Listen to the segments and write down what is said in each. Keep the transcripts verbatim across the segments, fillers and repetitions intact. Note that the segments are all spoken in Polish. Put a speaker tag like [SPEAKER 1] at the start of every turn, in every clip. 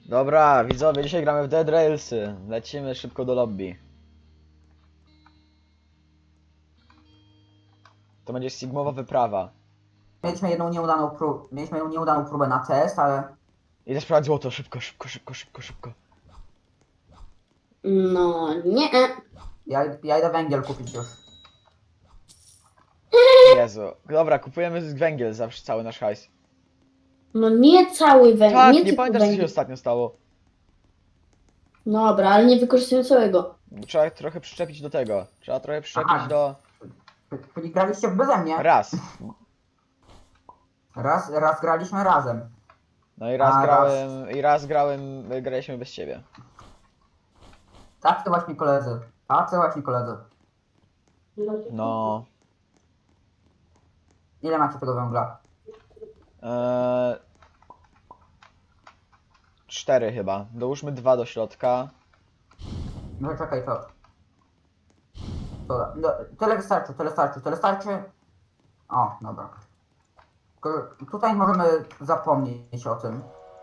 [SPEAKER 1] Dobra, widzowie, dzisiaj gramy w Dead Railsy. Lecimy szybko do lobby. To będzie Sigmowa wyprawa.
[SPEAKER 2] Mieliśmy jedną nieudaną próbę, mieliśmy jedną nieudaną próbę na test, ale
[SPEAKER 1] Idę sprawdzić złoto, szybko, szybko, szybko, szybko, szybko.
[SPEAKER 3] No nie.
[SPEAKER 2] ja, ja idę węgiel kupić już.
[SPEAKER 1] Jezu. Dobra, kupujemy z węgiel zawsze cały nasz hajs.
[SPEAKER 3] No nie cały węgiel.
[SPEAKER 1] Tak,
[SPEAKER 3] nie
[SPEAKER 1] nie
[SPEAKER 3] tylko
[SPEAKER 1] pamiętasz co się
[SPEAKER 3] węgiel.
[SPEAKER 1] ostatnio stało.
[SPEAKER 3] Dobra, ale nie wykorzystuję całego.
[SPEAKER 1] Trzeba trochę przyczepić do tego. Trzeba trochę przyczepić
[SPEAKER 2] Aha.
[SPEAKER 1] do...
[SPEAKER 2] Czyli graliście beze mnie.
[SPEAKER 1] Raz.
[SPEAKER 2] Raz, raz graliśmy razem.
[SPEAKER 1] No i raz
[SPEAKER 2] A,
[SPEAKER 1] grałem... I raz grałem... Graliśmy bez ciebie.
[SPEAKER 2] Tak to właśnie koledzy. Tak to właśnie koledzy.
[SPEAKER 1] No...
[SPEAKER 2] Ile macie tego węgla?
[SPEAKER 1] Eee... Cztery chyba. Dołóżmy dwa do środka.
[SPEAKER 2] No czekaj, to. to no, tyle wystarczy, tyle starczy, tyle starczy. O, dobra. Tylko tutaj możemy zapomnieć o tym.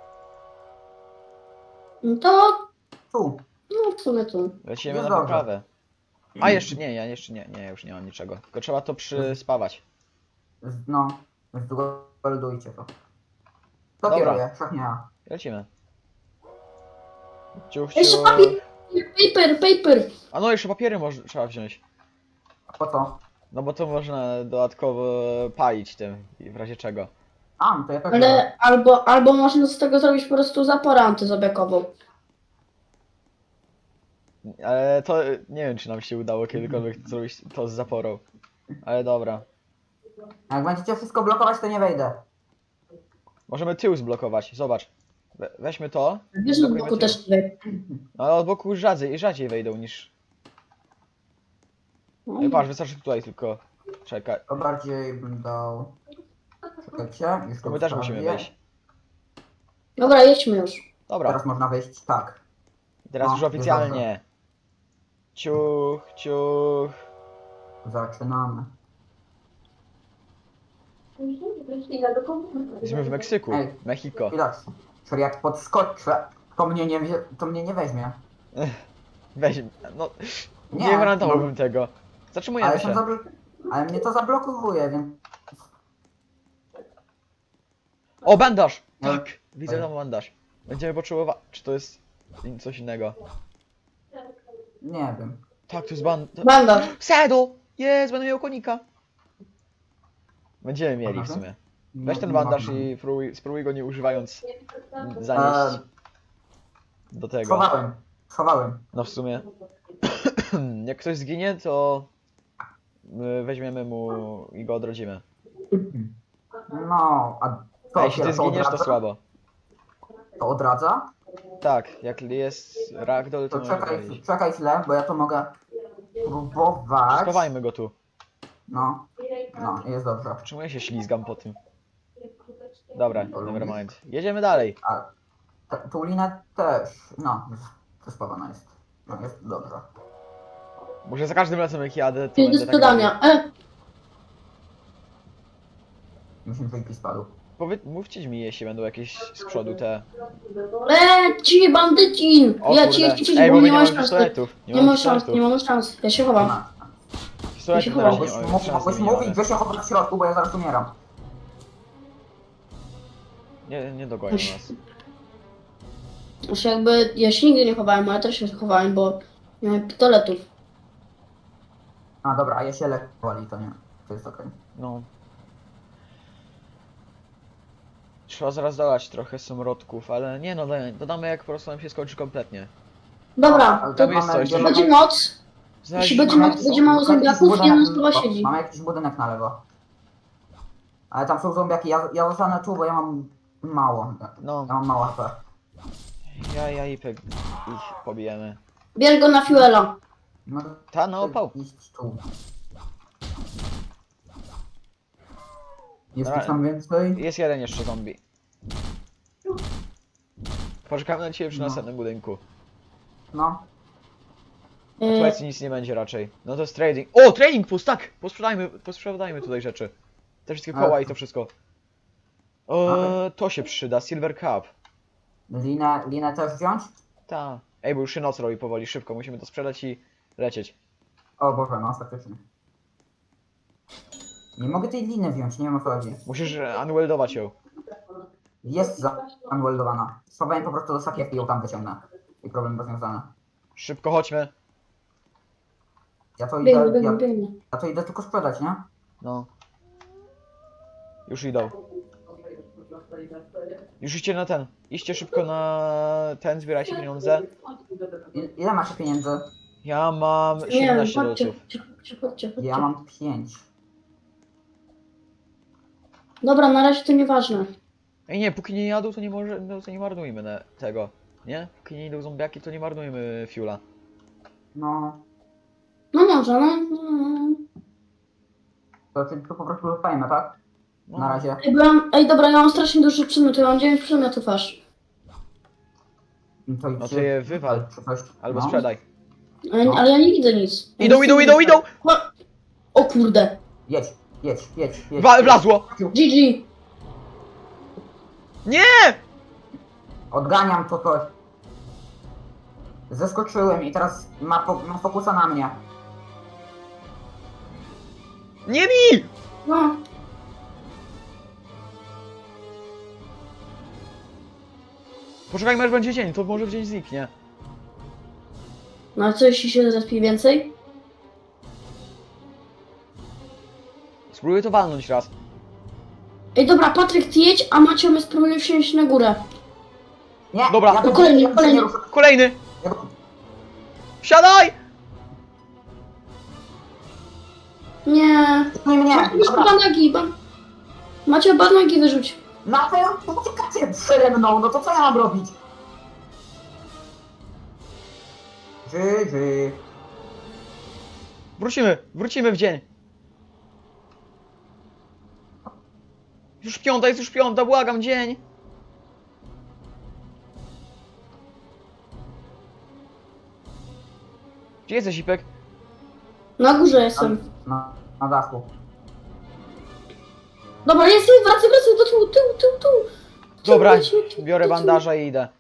[SPEAKER 3] No to.
[SPEAKER 2] Tu.
[SPEAKER 3] No w sumie tu.
[SPEAKER 1] Lecimy
[SPEAKER 2] Jest
[SPEAKER 1] na
[SPEAKER 2] dobrze.
[SPEAKER 1] wyprawę. A jeszcze nie, ja jeszcze nie, nie, już nie mam niczego. Tylko trzeba to przyspawać.
[SPEAKER 2] Z- No, zdueldujcie to. To
[SPEAKER 1] Dobra.
[SPEAKER 2] kieruje, wszak nie ja.
[SPEAKER 1] Lecimy. Ciuch,
[SPEAKER 3] Jeszcze
[SPEAKER 1] ciuch.
[SPEAKER 3] papier. Paper, paper.
[SPEAKER 1] A no, jeszcze papiery może, trzeba wziąć.
[SPEAKER 2] A po co?
[SPEAKER 1] No bo to można dodatkowo palić tym, i w razie czego.
[SPEAKER 2] A, no to ja też biorę.
[SPEAKER 3] Ale albo, albo można z tego zrobić po prostu zaporę antyzobiakową.
[SPEAKER 1] Ale to nie wiem, czy nam się udało kiedykolwiek zrobić to z zaporą. Ale dobra.
[SPEAKER 2] Jak będziecie wszystko blokować, to nie wejdę.
[SPEAKER 1] Możemy tył zblokować, zobacz. We, weźmy to.
[SPEAKER 3] Wiesz, że z
[SPEAKER 1] blokujmy
[SPEAKER 3] boku
[SPEAKER 1] tył.
[SPEAKER 3] też nie.
[SPEAKER 1] No, ale od boku rzadziej, rzadziej wejdą niż...
[SPEAKER 3] No.
[SPEAKER 1] Ej, patrz, wystarczy tutaj tylko. Czekaj.
[SPEAKER 2] To bardziej bym dał... Czekajcie, już
[SPEAKER 1] To
[SPEAKER 2] to
[SPEAKER 1] my też musimy
[SPEAKER 2] ustawię.
[SPEAKER 1] wejść.
[SPEAKER 3] Dobra, jedźmy już.
[SPEAKER 1] Dobra,
[SPEAKER 2] Teraz można wejść tak.
[SPEAKER 1] teraz
[SPEAKER 2] No,
[SPEAKER 1] już oficjalnie. Ciuch, ciuch.
[SPEAKER 2] Zaczynamy.
[SPEAKER 1] Jesteśmy w Meksyku,
[SPEAKER 2] Ej.
[SPEAKER 1] Mexico.
[SPEAKER 2] Chwilacz. Czyli jak podskoczę, to mnie nie, wzie- to mnie nie weźmie.
[SPEAKER 1] Weź, no, nie,
[SPEAKER 2] Nie,
[SPEAKER 1] nie gwarantowałbym
[SPEAKER 2] no.
[SPEAKER 1] tego. Zatrzymujemy
[SPEAKER 2] Ale,
[SPEAKER 1] się.
[SPEAKER 2] się zabl- ale mnie to zablokowuje, więc...
[SPEAKER 1] O, bandaż!
[SPEAKER 2] No.
[SPEAKER 1] Tak, widzę
[SPEAKER 2] Ej.
[SPEAKER 1] tam bandaż. Będziemy potrzebować, czy to jest in- coś innego?
[SPEAKER 2] Nie wiem.
[SPEAKER 1] Tak, to jest ban...
[SPEAKER 3] Bandaż.
[SPEAKER 1] Saddle! Jest, będę miał konika. Będziemy mieli w
[SPEAKER 2] Aha.
[SPEAKER 1] sumie.
[SPEAKER 2] Nie-
[SPEAKER 1] Weź ten
[SPEAKER 2] nie
[SPEAKER 1] bandaż
[SPEAKER 2] mam.
[SPEAKER 1] i spróbuj, spróbuj go nie używając zanieść
[SPEAKER 2] Eee,
[SPEAKER 1] do tego.
[SPEAKER 2] Schowałem. Schowałem.
[SPEAKER 1] No w sumie. Jak ktoś zginie, to my weźmiemy mu i go odrodzimy.
[SPEAKER 2] No, a
[SPEAKER 1] A
[SPEAKER 2] to,
[SPEAKER 1] jeśli ty
[SPEAKER 2] to
[SPEAKER 1] zginiesz, to
[SPEAKER 2] odradza?
[SPEAKER 1] słabo.
[SPEAKER 2] To odradza?
[SPEAKER 1] Tak, jak jest ragdoll, to
[SPEAKER 2] To
[SPEAKER 1] możemy
[SPEAKER 2] czekaj,
[SPEAKER 1] wejść.
[SPEAKER 2] czekaj chwilę, bo ja to mogę próbować.
[SPEAKER 1] Schowajmy go tu.
[SPEAKER 2] No, no, jest dobrze.
[SPEAKER 1] Czemu ja się ślizgam po tym? Dobra, nevermind. Jedziemy dalej.
[SPEAKER 2] A t- tą linę też, no, zespawana jest. No, jest dobrze.
[SPEAKER 1] Może za każdym razem jak jadę, to
[SPEAKER 3] Jest do
[SPEAKER 1] będę tak
[SPEAKER 3] sprzedania.
[SPEAKER 1] robił.
[SPEAKER 3] E,
[SPEAKER 2] Myślę, że i spadł.
[SPEAKER 1] Powie... Mówcie mi, jeśli będą jakieś z przodu te...
[SPEAKER 3] e, ci bandycin!
[SPEAKER 1] O
[SPEAKER 3] Ja
[SPEAKER 1] kurde.
[SPEAKER 3] ci, ci, ci,
[SPEAKER 1] Ej,
[SPEAKER 3] bo
[SPEAKER 1] bo my
[SPEAKER 3] nie
[SPEAKER 1] nie
[SPEAKER 3] masz
[SPEAKER 1] mamy
[SPEAKER 3] szans.
[SPEAKER 1] pistoletów.
[SPEAKER 3] Nie masz szans, nie
[SPEAKER 1] pistoletów.
[SPEAKER 3] mamy szans. Ja się chowam.
[SPEAKER 2] Ma.
[SPEAKER 1] Pistoletów
[SPEAKER 3] Ja
[SPEAKER 1] na
[SPEAKER 3] się
[SPEAKER 1] razie
[SPEAKER 2] Mogłeś,
[SPEAKER 1] nie mamy,
[SPEAKER 2] mógł-
[SPEAKER 1] szans
[SPEAKER 2] mogłeś
[SPEAKER 1] nie
[SPEAKER 2] mówić,
[SPEAKER 1] mamy.
[SPEAKER 2] że się chować w środku, bo ja zaraz umieram.
[SPEAKER 1] Nie, nie dogonią nas.
[SPEAKER 3] Znaczy jakby, ja się nigdy nie chowałem, ale też się chowałem, bo nie miałem pistoletów.
[SPEAKER 2] A dobra, a ja się lekko wali, to nie. To jest okej.
[SPEAKER 1] No. Trzeba zaraz dodać trochę samolotków, ale nie no, daj- dodamy jak po prostu nam się skończy kompletnie.
[SPEAKER 3] Dobra,
[SPEAKER 2] Ale
[SPEAKER 3] to
[SPEAKER 1] tam jest coś,
[SPEAKER 2] mamy-
[SPEAKER 1] to-
[SPEAKER 3] będzie noc.
[SPEAKER 1] Znaleźliśmy-
[SPEAKER 3] będzie
[SPEAKER 2] Mamy
[SPEAKER 3] ma-
[SPEAKER 2] jakiś-
[SPEAKER 3] będzie mało
[SPEAKER 2] mamy jakiś
[SPEAKER 3] zombiaków,
[SPEAKER 2] budynek-
[SPEAKER 3] jeden chyba
[SPEAKER 2] o,
[SPEAKER 3] siedzi.
[SPEAKER 2] Mamy jakiś budynek na lewo. Ale tam są zombiaki, ja, ja zostanę tu, bo ja mam mało.
[SPEAKER 1] No,
[SPEAKER 2] Ja mam mało H P.
[SPEAKER 1] ja, ja i pek ich pobijemy.
[SPEAKER 3] Bierz go na fuela.
[SPEAKER 2] No,
[SPEAKER 1] Ta na opał.
[SPEAKER 2] iść tu. Jest
[SPEAKER 1] Dobra.
[SPEAKER 2] ich tam więcej?
[SPEAKER 1] Jest jeden jeszcze zombie. Poczekamy na ciebie przy
[SPEAKER 2] No.
[SPEAKER 1] następnym budynku.
[SPEAKER 2] No.
[SPEAKER 1] Na
[SPEAKER 3] E,
[SPEAKER 1] Szwecji nic nie będzie raczej. No to jest trading. O, trading post, tak! Posprzedajmy, posprzedajmy tutaj rzeczy. Te wszystkie koła
[SPEAKER 2] Ale-
[SPEAKER 1] i to wszystko. O, to się przyda, Silver Cup.
[SPEAKER 2] Linę, linę też wziąć?
[SPEAKER 1] Ta. Ej, bo już się noc robi powoli, szybko, musimy to sprzedać i lecieć.
[SPEAKER 2] O Boże, no faktycznie. Nie mogę tej liny wziąć, nie wiem o co chodzi.
[SPEAKER 1] Musisz e, unweldować ją.
[SPEAKER 2] Jest zaunweldowana. Schowałem po prostu do sakiewki i ją tam wyciągnę. I problem rozwiązany.
[SPEAKER 1] Szybko chodźmy.
[SPEAKER 2] Ja to
[SPEAKER 3] Biegnę,
[SPEAKER 2] idę,
[SPEAKER 3] biegnę,
[SPEAKER 2] ja,
[SPEAKER 3] biegnę.
[SPEAKER 2] ja to idę tylko sprzedać, nie?
[SPEAKER 1] No. Już idą. Już idźcie na ten. Idźcie szybko na ten, zbierajcie pieniądze.
[SPEAKER 2] I, ile macie pieniędzy?
[SPEAKER 1] Ja mam
[SPEAKER 3] Nie wiem,
[SPEAKER 1] siedemnaście
[SPEAKER 3] chodźcie,
[SPEAKER 1] dolców.
[SPEAKER 3] chodźcie, chodźcie, chodźcie, chodźcie.
[SPEAKER 2] Ja mam pięć.
[SPEAKER 3] Dobra, na razie to nieważne.
[SPEAKER 1] Ej nie, póki nie jadą, to nie może, no, to nie marnujmy na tego. Nie? Póki nie idą zombiaki, to nie marnujmy fuela.
[SPEAKER 2] No,
[SPEAKER 3] No może, no. no, no.
[SPEAKER 2] to tylko po prostu zostajemy, tak?
[SPEAKER 1] No.
[SPEAKER 2] Na razie.
[SPEAKER 3] Ej, bo ja mam, ej, dobra, ja mam strasznie dużo przedmiotów, ja mam dziewięć przedmiotów aż.
[SPEAKER 2] No to,
[SPEAKER 1] No to je wywal.
[SPEAKER 2] Czy coś,
[SPEAKER 1] Albo
[SPEAKER 2] no.
[SPEAKER 1] sprzedaj.
[SPEAKER 3] Ale,
[SPEAKER 2] No.
[SPEAKER 3] ale ja nie widzę nic. Ja
[SPEAKER 1] Idą,
[SPEAKER 3] nic
[SPEAKER 1] idą,
[SPEAKER 3] nie
[SPEAKER 1] idą,
[SPEAKER 3] widzę.
[SPEAKER 1] idą!
[SPEAKER 3] Cho- O kurde.
[SPEAKER 2] Jedź, jedź, jedź, jedź.
[SPEAKER 1] Wa- Wlazło!
[SPEAKER 3] G G.
[SPEAKER 1] Nie!
[SPEAKER 2] Odganiam to coś. Zeskoczyłem i teraz ma, po, ma fokusa na mnie.
[SPEAKER 1] Nie bij!
[SPEAKER 3] No.
[SPEAKER 1] Poczekajmy aż będzie dzień, to może w dzień zniknie.
[SPEAKER 3] No a co jeśli się zrespi więcej?
[SPEAKER 1] Spróbuję to walnąć raz.
[SPEAKER 3] Ej, dobra, Patryk, ty jedź, a Macio, my spróbujemy wsiąść na górę.
[SPEAKER 2] Nie,
[SPEAKER 1] Dobra.
[SPEAKER 2] ja
[SPEAKER 3] No
[SPEAKER 2] to-
[SPEAKER 3] kolejny,
[SPEAKER 2] ja to
[SPEAKER 3] kolejny.
[SPEAKER 2] nie ruszę.
[SPEAKER 1] Kolejny!
[SPEAKER 2] Ja to-
[SPEAKER 1] Wsiadaj!
[SPEAKER 3] Nie.
[SPEAKER 2] Nie, nie,
[SPEAKER 3] Macio, weź
[SPEAKER 2] dobra.
[SPEAKER 3] banagi, ban... Macio, banagi wyrzuć.
[SPEAKER 2] Na pewno uciekacie przede mną, no to co ja mam robić? Ży, ży.
[SPEAKER 1] Wrócimy, wrócimy w dzień. Już piąta, jest już piąta, błagam, dzień. Gdzie jesteś, Ipek?
[SPEAKER 3] Na górze jestem.
[SPEAKER 2] Na, na dachu.
[SPEAKER 3] Dobra, jest, jest, wracaj, wracaj, do tyłu, tyłu, tyłu, tyłu.
[SPEAKER 1] Dobra,
[SPEAKER 3] Leć, leć, leć,
[SPEAKER 1] biorę
[SPEAKER 3] do tyłu.
[SPEAKER 1] bandaża i idę.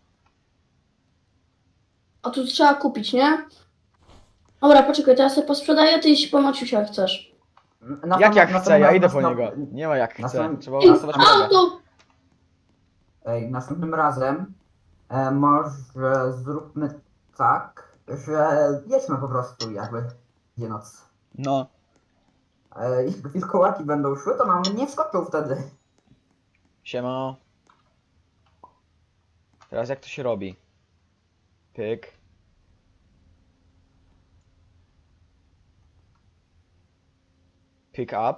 [SPEAKER 3] A tu trzeba kupić, nie? Dobra, poczekaj, teraz sobie posprzedaję, ty jeśli po Maciusia jak chcesz.
[SPEAKER 2] Na
[SPEAKER 1] Jak jak
[SPEAKER 2] na
[SPEAKER 1] chcę, ja idę po
[SPEAKER 2] następnym-
[SPEAKER 1] niego. Nie ma jak
[SPEAKER 2] na
[SPEAKER 1] chcę,
[SPEAKER 2] samym-
[SPEAKER 1] trzeba
[SPEAKER 3] Ej,
[SPEAKER 1] ułasować drogę.
[SPEAKER 3] auto!
[SPEAKER 2] Ej, następnym razem e, może zróbmy tak, że jedźmy po prostu jakby gdzie noc.
[SPEAKER 1] No.
[SPEAKER 2] E, jak wilkołaki będą szły, to nam nie wskoczą wtedy.
[SPEAKER 1] Siema. Teraz jak to się robi? Pyk. Pick up.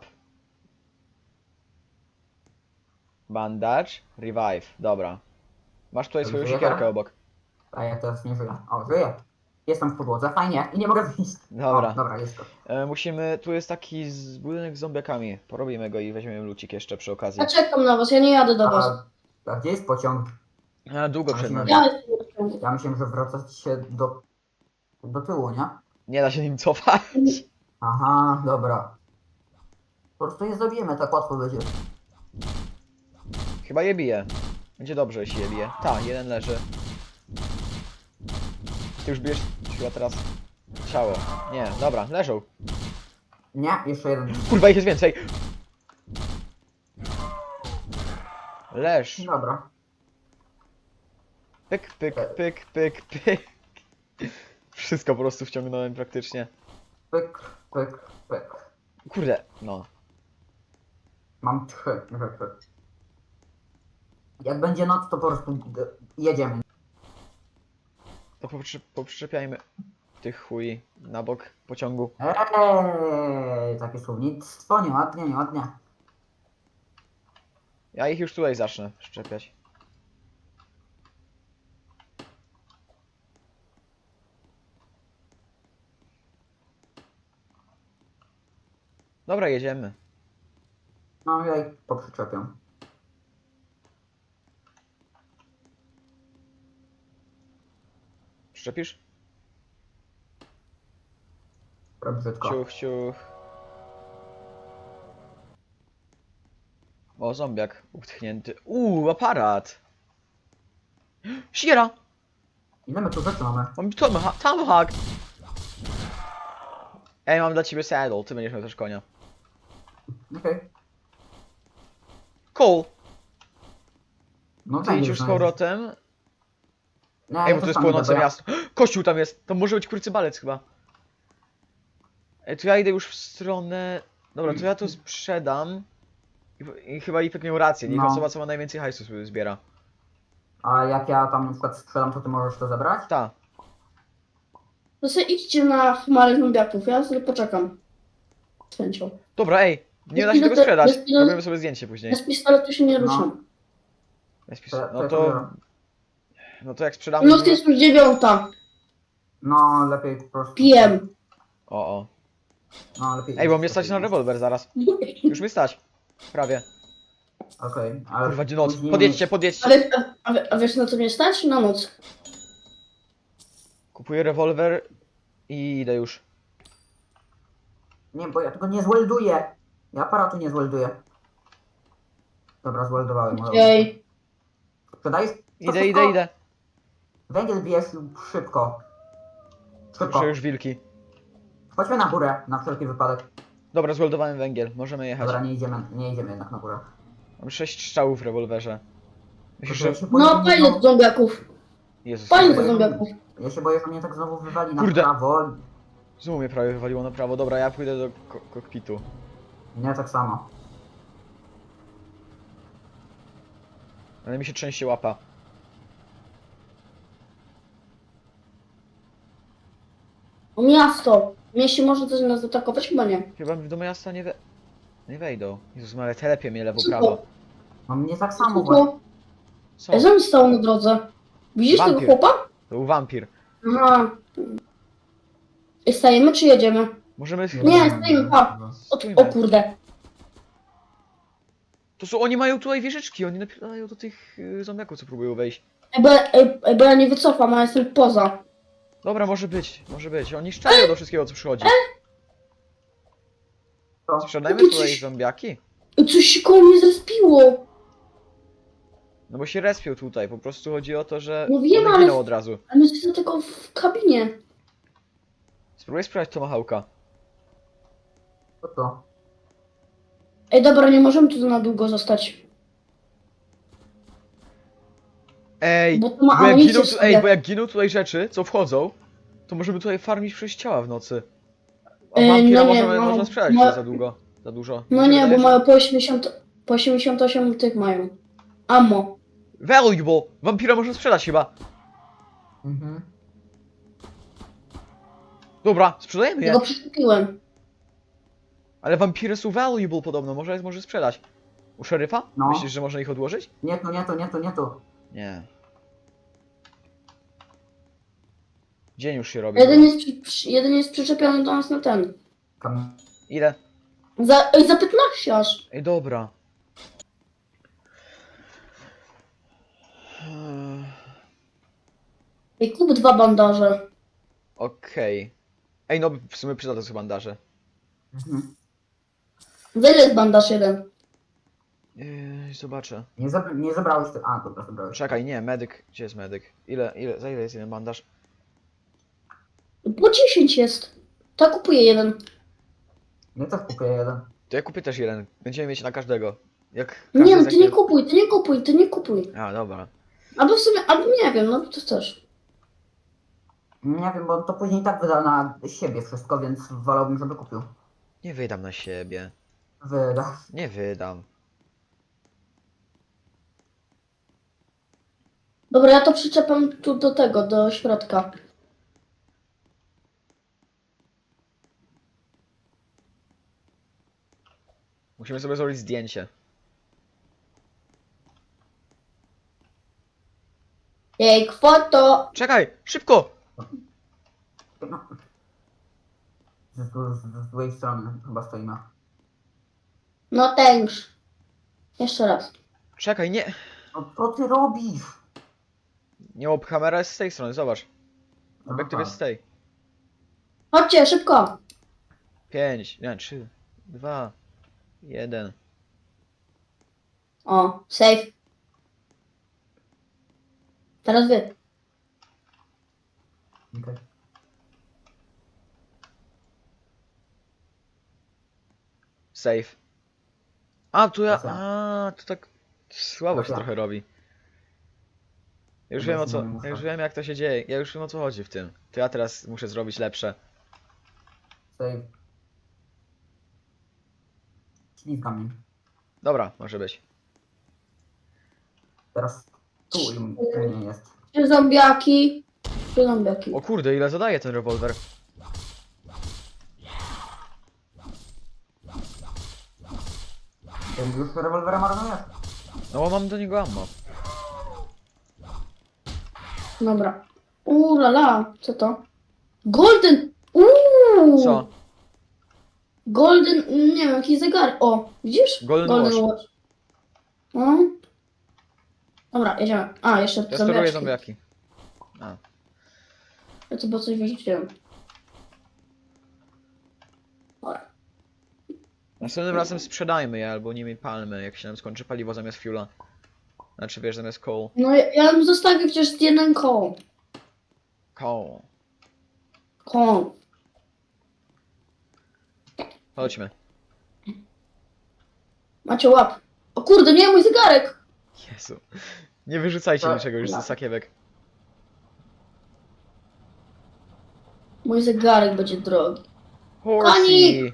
[SPEAKER 1] Bandage. Revive. Dobra. Masz tutaj swoją
[SPEAKER 2] Żyje?
[SPEAKER 1] siekierkę obok.
[SPEAKER 2] A ja teraz nie żyję. O, żyję. Jestem w podłodze, fajnie. I nie mogę wyjść.
[SPEAKER 1] Dobra.
[SPEAKER 2] O, dobra, jest to.
[SPEAKER 1] E, musimy... Tu jest taki z budynek z zombiakami. Porobimy go i weźmiemy lucik jeszcze przy okazji.
[SPEAKER 3] Ja czekam na was, ja nie jadę do was.
[SPEAKER 2] A, a gdzie jest pociąg?
[SPEAKER 1] A, długo przed nami.
[SPEAKER 3] Ja jestem na pociągu.
[SPEAKER 2] Ja myślałem, że wracać się do, do tyłu, nie?
[SPEAKER 1] Nie da się nim cofać.
[SPEAKER 2] Aha, dobra. Po prostu je zabijemy, tak łatwo będzie.
[SPEAKER 1] Chyba je bije. Będzie dobrze, jeśli je bije. Ta, jeden leży. Ty już bijesz chyba teraz ciało. Nie, dobra, leżą.
[SPEAKER 2] Nie, jeszcze jeden.
[SPEAKER 1] Kurwa, ich jest więcej. Leż.
[SPEAKER 2] Dobra.
[SPEAKER 1] Pyk, pyk, pyk, pyk, pyk. Wszystko po prostu wciągnąłem praktycznie.
[SPEAKER 2] Pyk, pyk, pyk.
[SPEAKER 1] Kurde, no.
[SPEAKER 2] Mam trzy rzeczy. Jak będzie noc, to po prostu d- jedziemy.
[SPEAKER 1] To poprzy, poprzyczepiajmy tych chuj na bok pociągu.
[SPEAKER 2] Eee, takie słownictwo, nieładnie, nieładnie.
[SPEAKER 1] Ja ich już tutaj zacznę szczepiać. Dobra, jedziemy.
[SPEAKER 2] No ja ich poprzyczepię.
[SPEAKER 1] Szczepisz?
[SPEAKER 2] Rob brzydko.
[SPEAKER 1] Ciuch, ciuch. O, zombiak utknięty. Uuu, aparat! Sierra!
[SPEAKER 2] Ile my tu rzeczy mamy?
[SPEAKER 1] Mam tomahawk. Tomahawk! Ej, mam dla ciebie saddle, ty będziesz miał też konia.
[SPEAKER 2] Okej.
[SPEAKER 1] Cole,
[SPEAKER 2] No
[SPEAKER 1] ty idź
[SPEAKER 2] węgiel
[SPEAKER 1] już z
[SPEAKER 2] znajdziesz.
[SPEAKER 1] powrotem.
[SPEAKER 2] Nie,
[SPEAKER 1] Ej,
[SPEAKER 2] ja
[SPEAKER 1] bo to
[SPEAKER 2] też
[SPEAKER 1] jest
[SPEAKER 2] tam
[SPEAKER 1] płonące
[SPEAKER 2] idę, bo ja-
[SPEAKER 1] miasto. Kościół tam jest! To może być kurcybalec chyba. Ej, to ja idę już w stronę... Dobra, to ja to sprzedam. I, i chyba Ipek miał rację, niech
[SPEAKER 2] No.
[SPEAKER 1] osoba co ma najwięcej hajsu sobie zbiera.
[SPEAKER 2] A jak ja tam na przykład sprzedam, to ty możesz to zabrać?
[SPEAKER 1] Ta.
[SPEAKER 3] To sobie idźcie na chmary zombiaków, ja sobie poczekam. Z chęcią.
[SPEAKER 1] Dobra, ej, nie
[SPEAKER 3] Bez
[SPEAKER 1] da się tego
[SPEAKER 3] pilotu-
[SPEAKER 1] sprzedać.
[SPEAKER 3] bez pilotu-
[SPEAKER 1] Robimy sobie zdjęcie później.
[SPEAKER 3] Ja z pistoletu się nie
[SPEAKER 2] No.
[SPEAKER 3] ruszam.
[SPEAKER 1] Bez pis-
[SPEAKER 2] To,
[SPEAKER 1] No
[SPEAKER 2] ja
[SPEAKER 1] to...
[SPEAKER 2] biorę.
[SPEAKER 1] No to jak sprzedamy...
[SPEAKER 3] Noc jest już dziewiąta.
[SPEAKER 2] No, lepiej po prostu.
[SPEAKER 3] Pijem.
[SPEAKER 1] O, o.
[SPEAKER 2] No, lepiej.
[SPEAKER 1] Ej, bo
[SPEAKER 2] iść,
[SPEAKER 1] mnie stać na
[SPEAKER 2] lepiej iść.
[SPEAKER 1] rewolwer zaraz. Już mi stać. Prawie.
[SPEAKER 2] Okej, ale.
[SPEAKER 1] Kurwa, gdzie noc.
[SPEAKER 2] później-
[SPEAKER 1] Podjedźcie,
[SPEAKER 3] A,
[SPEAKER 1] podjedźcie.
[SPEAKER 3] wie, a, a, wie- a wiesz na co mnie stać? Na noc.
[SPEAKER 1] Kupuję rewolwer i idę już.
[SPEAKER 2] Nie, bo ja tego nie zwelduję. Ja aparatu nie zwelduję. Dobra, zweldowałem.
[SPEAKER 3] Ej.
[SPEAKER 2] Sprzedajesz? To
[SPEAKER 1] Idę,
[SPEAKER 2] szybko.
[SPEAKER 1] idę, idę.
[SPEAKER 2] Węgiel bierz szybko. Szybko.
[SPEAKER 1] Muszę już wilki.
[SPEAKER 2] Chodźmy na górę, na wszelki wypadek.
[SPEAKER 1] Dobra, zweldowałem węgiel. Możemy jechać.
[SPEAKER 2] Dobra, nie idziemy, nie idziemy jednak na górę.
[SPEAKER 1] Mam sześć strzałów w rewolwerze. Myślisz, że...
[SPEAKER 2] Ja się boję, że
[SPEAKER 3] No,
[SPEAKER 2] mnie
[SPEAKER 3] fajnie
[SPEAKER 2] znowu-
[SPEAKER 3] do zombiaków.
[SPEAKER 1] Jezus,
[SPEAKER 3] Fajnie do
[SPEAKER 1] Maria.
[SPEAKER 3] zombiaków.
[SPEAKER 2] Ja się boję, że mnie tak znowu wywali na
[SPEAKER 1] Kurde.
[SPEAKER 2] prawo.
[SPEAKER 1] Znowu mnie prawie wywaliło na prawo. Dobra, ja pójdę do ko kokpitu.
[SPEAKER 2] Nie, tak samo.
[SPEAKER 1] Ale mi się trzęsie łapa.
[SPEAKER 3] O miasto. W mieście może coś nas zaatakować? Chyba nie.
[SPEAKER 1] Chyba do miasta nie we... Nie wejdą. Jezus, ale telepie mnie lewo,
[SPEAKER 3] Co
[SPEAKER 1] prawo.
[SPEAKER 3] to?
[SPEAKER 2] No mnie tak
[SPEAKER 3] Co
[SPEAKER 2] samo właśnie.
[SPEAKER 3] to?
[SPEAKER 1] Co?
[SPEAKER 3] Ej, co mi stało na drodze? Widzisz tego
[SPEAKER 1] Wampir.
[SPEAKER 3] chłopa?
[SPEAKER 1] To był wampir.
[SPEAKER 3] Aha. Ej, stajemy czy jedziemy?
[SPEAKER 1] Możemy...
[SPEAKER 3] Nie, stoimy, pa. O,
[SPEAKER 1] Stójmy.
[SPEAKER 3] o kurde.
[SPEAKER 1] To są... Oni mają tutaj wieżyczki. Oni napierają do tych y, zombiaków, co próbują wejść.
[SPEAKER 3] Ej, bo, ja- ej, ej, bo ja nie wycofam, a jestem poza.
[SPEAKER 1] Dobra, może być. Może być. Oni szczają do wszystkiego, co przychodzi.
[SPEAKER 2] To.
[SPEAKER 1] Sprzedajmy
[SPEAKER 3] Ty
[SPEAKER 1] tutaj
[SPEAKER 3] coś-
[SPEAKER 1] zombiaki.
[SPEAKER 3] Ej, coś się koło mnie zrespiło.
[SPEAKER 1] No bo się respią tutaj. Po prostu chodzi o to, że
[SPEAKER 3] No wiem,
[SPEAKER 1] one
[SPEAKER 3] ale-
[SPEAKER 1] giną od razu.
[SPEAKER 3] A my jesteśmy tylko w kabinie.
[SPEAKER 1] Spróbuj sprawdzić Tomahawka.
[SPEAKER 2] To to.
[SPEAKER 3] Ej, dobra, nie możemy tu na długo zostać.
[SPEAKER 1] Ej,
[SPEAKER 3] Bo to ma
[SPEAKER 1] bo jak,
[SPEAKER 3] amunicję
[SPEAKER 1] giną,
[SPEAKER 3] w
[SPEAKER 1] tu,
[SPEAKER 3] sobie.
[SPEAKER 1] ej, bo jak giną tutaj rzeczy, co wchodzą, to możemy tutaj farmić przez ciała w nocy. A
[SPEAKER 3] Ej,
[SPEAKER 1] wampira
[SPEAKER 3] no nie,
[SPEAKER 1] możemy,
[SPEAKER 3] no,
[SPEAKER 1] można sprzedać
[SPEAKER 3] no-
[SPEAKER 1] za długo. Za dużo.
[SPEAKER 3] No
[SPEAKER 1] Mi się
[SPEAKER 3] nie, bo
[SPEAKER 1] wydaje, że-
[SPEAKER 3] mają po osiemdziesiąt, po osiemdziesiąt osiem tych mają. Ammo.
[SPEAKER 1] Valuable! Wampira można sprzedać chyba.
[SPEAKER 2] Mhm.
[SPEAKER 1] Dobra, sprzedajemy
[SPEAKER 3] Ja
[SPEAKER 1] je.
[SPEAKER 3] go przeszkupiłem.
[SPEAKER 1] Ale wampiry są valuable podobno, może jest może sprzedać. U szeryfa?
[SPEAKER 2] No.
[SPEAKER 1] Myślisz, że można ich odłożyć?
[SPEAKER 2] Nie tu, nie tu, nie tu, nie tu.
[SPEAKER 1] Nie. Dzień już się robi.
[SPEAKER 3] Jeden jest, przy, przy, jeden jest przyczepiony do nas na ten.
[SPEAKER 2] Kam...
[SPEAKER 1] Ile?
[SPEAKER 3] Za, ej, za piętnaście aż.
[SPEAKER 1] Ej, dobra. Eee,
[SPEAKER 3] Ej, kup dwa bandaże.
[SPEAKER 1] Okej. Ej, no w sumie przyda to są bandaże.
[SPEAKER 2] Mhm.
[SPEAKER 3] Za ile jest bandaż jeden?
[SPEAKER 1] Yy, zobaczę.
[SPEAKER 2] Nie, zab... nie zabrałeś ty. A, dobra, zabrałeś.
[SPEAKER 1] Czekaj, nie, medyk. Gdzie jest medyk? Ile, ile, za ile jest jeden bandaż?
[SPEAKER 3] Po dziesięć jest. To kupuję jeden.
[SPEAKER 2] Nie też kupię jeden.
[SPEAKER 1] To ja kupię też jeden. Będziemy mieć na każdego. Jak
[SPEAKER 3] Nie, no
[SPEAKER 1] każdy
[SPEAKER 3] ty nie
[SPEAKER 1] zechce-
[SPEAKER 3] kupuj, ty nie kupuj, ty nie kupuj.
[SPEAKER 1] A, dobra.
[SPEAKER 3] Albo w sumie, albo nie wiem, no to też.
[SPEAKER 2] Nie wiem, bo on to później i tak wyda na siebie wszystko, więc wolałbym, żeby kupił.
[SPEAKER 1] Nie wydam na siebie.
[SPEAKER 2] Wyda.
[SPEAKER 1] Nie wydam.
[SPEAKER 3] Dobra, ja to przyczepam tu do tego, do środka.
[SPEAKER 1] Musimy sobie zrobić zdjęcie.
[SPEAKER 3] Ej, foto!
[SPEAKER 1] Czekaj! Szybko!
[SPEAKER 2] No. Z, z, z złej strony chyba stoimy.
[SPEAKER 3] No thanks. Jeszcze raz.
[SPEAKER 1] Czekaj, nie!
[SPEAKER 2] No co ty robisz?
[SPEAKER 1] Nie, bo kamera jest z tej strony, zobacz. Obiektyw
[SPEAKER 2] Aha.
[SPEAKER 1] jest z tej.
[SPEAKER 3] Chodźcie, szybko!
[SPEAKER 1] Pięć, nie, trzy, dwa, jeden.
[SPEAKER 3] O, safe. Teraz wy.
[SPEAKER 2] Okej.
[SPEAKER 1] Save. A, tu ja...
[SPEAKER 2] To co?
[SPEAKER 1] A, to tak... Słabo się
[SPEAKER 2] ja.
[SPEAKER 1] trochę robi. Ja już
[SPEAKER 2] Chyba
[SPEAKER 1] wiem o
[SPEAKER 2] się
[SPEAKER 1] co...
[SPEAKER 2] nie muszę.
[SPEAKER 1] Ja już wiem jak to się dzieje. Ja już wiem o co chodzi w tym. To ja teraz muszę zrobić lepsze.
[SPEAKER 2] Save. Ślizga mnie.
[SPEAKER 1] Dobra, może być.
[SPEAKER 2] Teraz tu im u mnie jest.
[SPEAKER 3] Trzy zombiaki. Trzy zombiaki.
[SPEAKER 1] O kurde, ile zadaje ten rewolwer?
[SPEAKER 2] Ty już rewolwerem marnujesz?
[SPEAKER 1] No bo mam do niego ammo.
[SPEAKER 3] Dobra. Uuu, la, la. Co to? Golden! Uuu!
[SPEAKER 1] Co?
[SPEAKER 3] Golden, nie wiem, jakiś zegar. O, widzisz?
[SPEAKER 1] Golden Watch.
[SPEAKER 3] No. Dobra, jedziemy. A, jeszcze
[SPEAKER 1] Ja steruję
[SPEAKER 3] zombiaczki.
[SPEAKER 1] zombiaki. A.
[SPEAKER 3] Ja chyba coś wyrzuciłem. Dobra.
[SPEAKER 1] Następnym razem sprzedajmy je albo nimi palmy, jak się nam skończy paliwo zamiast fuela. Znaczy wiesz, zamiast coal.
[SPEAKER 3] No ja, ja bym zostawił chociaż jeden koło.
[SPEAKER 1] Coal.
[SPEAKER 3] Koło.
[SPEAKER 1] Chodźmy.
[SPEAKER 3] Macie łap. O kurde, nie, mój zegarek!
[SPEAKER 1] Jezu. Nie wyrzucajcie
[SPEAKER 2] To-
[SPEAKER 1] niczego już ze sakiewek.
[SPEAKER 3] Mój zegarek będzie drogi.
[SPEAKER 1] Horsey!
[SPEAKER 3] Konik!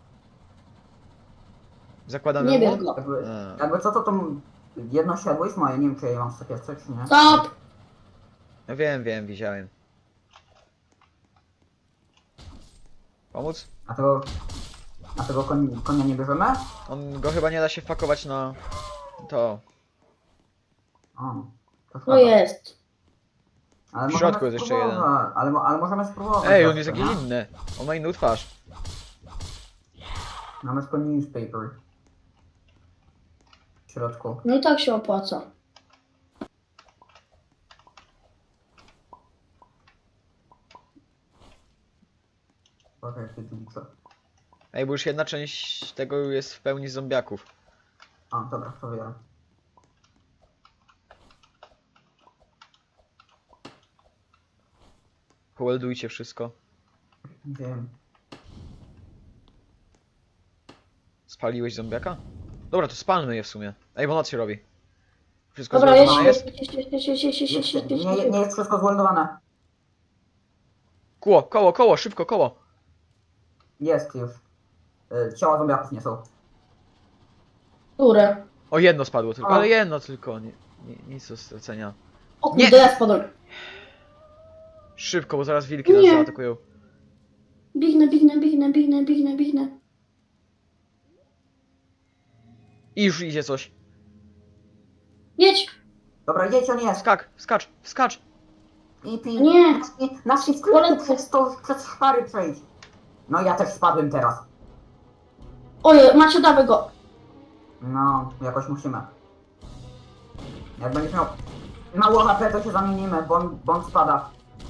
[SPEAKER 1] Zakładamy
[SPEAKER 3] Nie
[SPEAKER 1] mu?
[SPEAKER 3] wiem go.
[SPEAKER 2] Jakby,
[SPEAKER 1] A.
[SPEAKER 2] jakby co to to jedno siadło jest moje, nie wiem czy ja je mam w sakiewce czy nie.
[SPEAKER 3] Stop!
[SPEAKER 1] No wiem, wiem, widziałem. Pomóc?
[SPEAKER 2] A tego, a tego koń, konia nie bierzemy?
[SPEAKER 1] On go chyba nie da się wpakować na... to.
[SPEAKER 2] O, to
[SPEAKER 3] To
[SPEAKER 2] szkoda.
[SPEAKER 3] jest.
[SPEAKER 2] Ale
[SPEAKER 1] W
[SPEAKER 2] możemy
[SPEAKER 1] środku jest jeszcze jeden.
[SPEAKER 2] spróbować, Ale, mo- ale możemy spróbować.
[SPEAKER 1] Ej, on jest
[SPEAKER 2] zawsze,
[SPEAKER 1] jakiś
[SPEAKER 2] nie?
[SPEAKER 1] inny. On ma inną twarz.
[SPEAKER 2] Mamy tylko newspaper. W środku.
[SPEAKER 3] No i tak się opłaca.
[SPEAKER 2] Okej, ty dłuższe.
[SPEAKER 1] Ej, bo już jedna część tego jest w pełni z zombiaków.
[SPEAKER 2] A, dobra, to wiem.
[SPEAKER 1] Poweldujcie wszystko.
[SPEAKER 2] Wiem.
[SPEAKER 1] Spaliłeś zombiaka? Dobra, to spalmy je w sumie. Ej, bo noc się robi. Wszystko
[SPEAKER 3] Dobra,
[SPEAKER 1] złożone
[SPEAKER 3] jeźdź,
[SPEAKER 1] jest?
[SPEAKER 3] jeźdź, jeźdź, jeźdź, jeźdź, jeźdź, jeźdź,
[SPEAKER 2] Jest,
[SPEAKER 3] jeźdź, jeźdź,
[SPEAKER 2] nie,
[SPEAKER 3] jeźdź.
[SPEAKER 2] nie jest wszystko zwolnowane.
[SPEAKER 1] Koło, koło, koło, szybko, koło.
[SPEAKER 2] Jest już. Y, Ciała zombiaków nie są.
[SPEAKER 3] Które?
[SPEAKER 1] O, jedno spadło tylko,
[SPEAKER 2] A.
[SPEAKER 1] ale jedno tylko. Nie, nie, nic do stracenia.
[SPEAKER 3] O
[SPEAKER 1] Nie.
[SPEAKER 3] kurde, ja spadłem.
[SPEAKER 1] Szybko, bo zaraz wilki nas
[SPEAKER 3] Nie.
[SPEAKER 1] zaatakują.
[SPEAKER 3] Biegnę, biegnę, biegnę, biegnę, biegnę, biegnę.
[SPEAKER 1] I już idzie coś.
[SPEAKER 3] Jedź!
[SPEAKER 2] Dobra, jedź, on jest.
[SPEAKER 1] Skak, skacz, skacz.
[SPEAKER 2] I pi.
[SPEAKER 3] Nie.
[SPEAKER 2] Na sklepie przez to, przez szpary przejdź. No ja też spadłem teraz.
[SPEAKER 3] Oj, Macie, dawaj go.
[SPEAKER 2] No, jakoś musimy. Jak będziesz miał mało H P, to się zamienimy, bo on, bo on spada.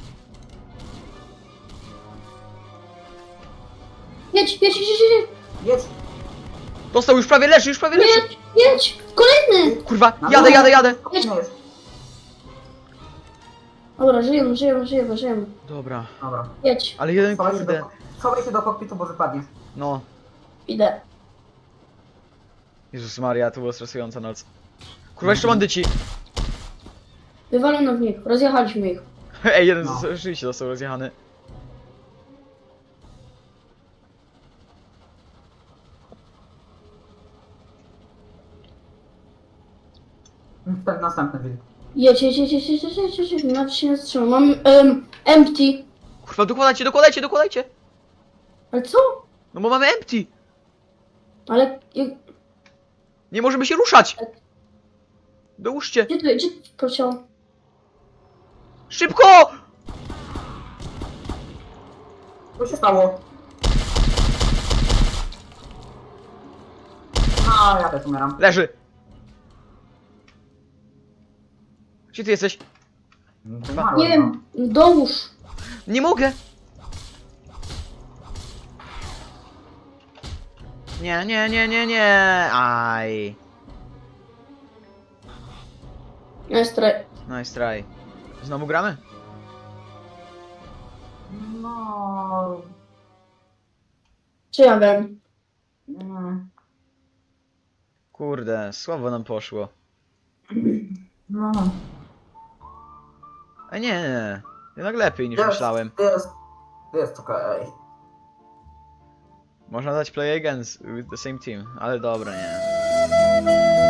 [SPEAKER 3] Jedź, jedź, jedź, jedź, jedź.
[SPEAKER 2] Jedź!
[SPEAKER 1] Dostał, już prawie leży, już prawie leży.
[SPEAKER 3] Jedź, jedź. Kolejny.
[SPEAKER 1] Kurwa,
[SPEAKER 2] Na
[SPEAKER 1] jadę,
[SPEAKER 2] dole.
[SPEAKER 1] jadę, jadę.
[SPEAKER 2] Kolejny jest.
[SPEAKER 3] Dobra, żyjemy, żyjemy, żyjemy, żyjemy.
[SPEAKER 1] Dobra,
[SPEAKER 3] Dobra.
[SPEAKER 1] Jedź.
[SPEAKER 3] ale jeden
[SPEAKER 2] Schowaj się,
[SPEAKER 3] kurde.
[SPEAKER 2] do, schowaj się do kokpitu, bo wypadniesz.
[SPEAKER 1] No.
[SPEAKER 3] Idę.
[SPEAKER 1] Jezus Maria, to była stresująca noc. Kurwa, jeszcze bandyci.
[SPEAKER 3] Wywalono w nich, rozjechaliśmy ich.
[SPEAKER 1] Ej, jeden
[SPEAKER 2] No.
[SPEAKER 1] no. rzeczywiście został rozjechany.
[SPEAKER 2] Tak, następny wilk.
[SPEAKER 3] Jedź, jedź, jedź, jedź, jedź, jedź, jedź, jedź, jedź. Nawet się nie zatrzymał. Mam um, empty.
[SPEAKER 1] Kurwa, dokładajcie, dokładajcie, dokładajcie.
[SPEAKER 3] Ale co?
[SPEAKER 1] No bo mamy empty.
[SPEAKER 3] Ale jak,
[SPEAKER 1] Nie możemy się ruszać. Dołóżcie.
[SPEAKER 3] gdzie to, gdzie to poleciało?
[SPEAKER 1] Szybko!
[SPEAKER 2] Co się stało? A, ja też umieram.
[SPEAKER 1] Leży. Gdzie ty jesteś?
[SPEAKER 2] Umarłem,
[SPEAKER 3] Nie wiem, dołóż.
[SPEAKER 1] Nie mogę. Nie, nie, nie, nie, nie. Aj.
[SPEAKER 3] Nice try.
[SPEAKER 1] Nice try. Znowu gramy?
[SPEAKER 2] No...
[SPEAKER 3] Czy ja wiem?
[SPEAKER 2] mm,
[SPEAKER 1] Kurde, słabo nam poszło.
[SPEAKER 2] No...
[SPEAKER 1] A nie, nie, nie. Jednak lepiej niż
[SPEAKER 2] Jest,
[SPEAKER 1] myślałem.
[SPEAKER 2] jest, jest okej.
[SPEAKER 1] Można dać play against with the same team, ale dobra, nie.